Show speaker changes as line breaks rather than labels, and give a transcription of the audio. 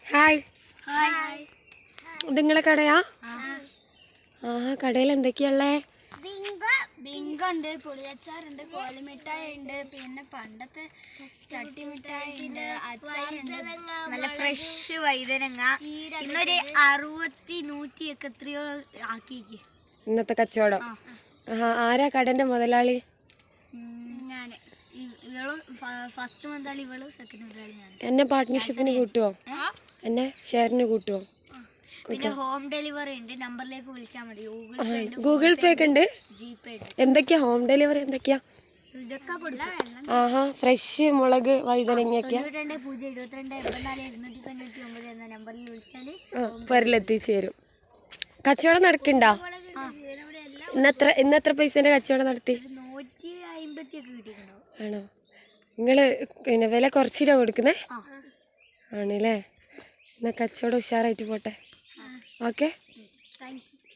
Hi. ഇത് നിങ്ങളെ കടയാ? കടയിൽ എന്തൊക്കെയുള്ളേ?
ബിങ്കുണ്ട്, പുളിയച്ചാറുണ്ട്, കോലിമിഠായി ഉണ്ട്, പിന്നെ പണ്ടത്തെ ചട്ടി മിഠായി ഉണ്ട്, അച്ചാറുണ്ട്, നല്ല ഫ്രഷ് വൈതനങ്ങ. ഇന്നൊരു 60, 100 ഒക്കെ എത്രയോ ആക്കിക്ക്
ഇന്നത്തെ കച്ചവടം. ആരാ കടന്റെ മുതലാളി?
ഞാൻ. ഇവളും ഫസ്റ്റ് മുതലാളി, ഇവളും സെക്കൻഡ് മുതലാളി ഞാൻ.
എന്നെ പാർട്ട്ണർഷിപ്പിന് കൂട്ടുവോ? എന്നെ ഷെയറിന് കൂട്ടുവോ?
പിന്നെ ഹോം ഡെലിവറി ഉണ്ട്, നമ്പറിലേക്ക് വിളിച്ചാൽ മതി.
ഗൂഗിൾ പേ ഒക്കെ ഉണ്ട്.
ജിപേ ഉണ്ട്.
എന്തൊക്കെയാ ഹോം ഡെലിവറി? എന്തൊക്കെയാ?
ഇതൊക്കെ കൊടുക്കും.
ഫ്രഷ് മുളക് വഴുതനങ്ങയൊക്കെയാ?
92 എന്ന നമ്പറിൽ വിളിച്ചാൽ
പെരലെത്തിച്ചു തരും. കച്ചവടം നടക്കണ്ടോ? ഇന്നെത്ര പൈസന്റെ കച്ചവടം നടത്തി?
150 ഒക്കെ കിട്ടിയിട്ടുണ്ടോ?
ആണോ? നിങ്ങള് പിന്നെ വില കുറച്ചിട്ടാ കൊടുക്കുന്നേ? ആണല്ലേ? എന്നാ കച്ചവടം ഉഷാറായിട്ട് പോട്ടെ. ഓക്കെ.
Thank U.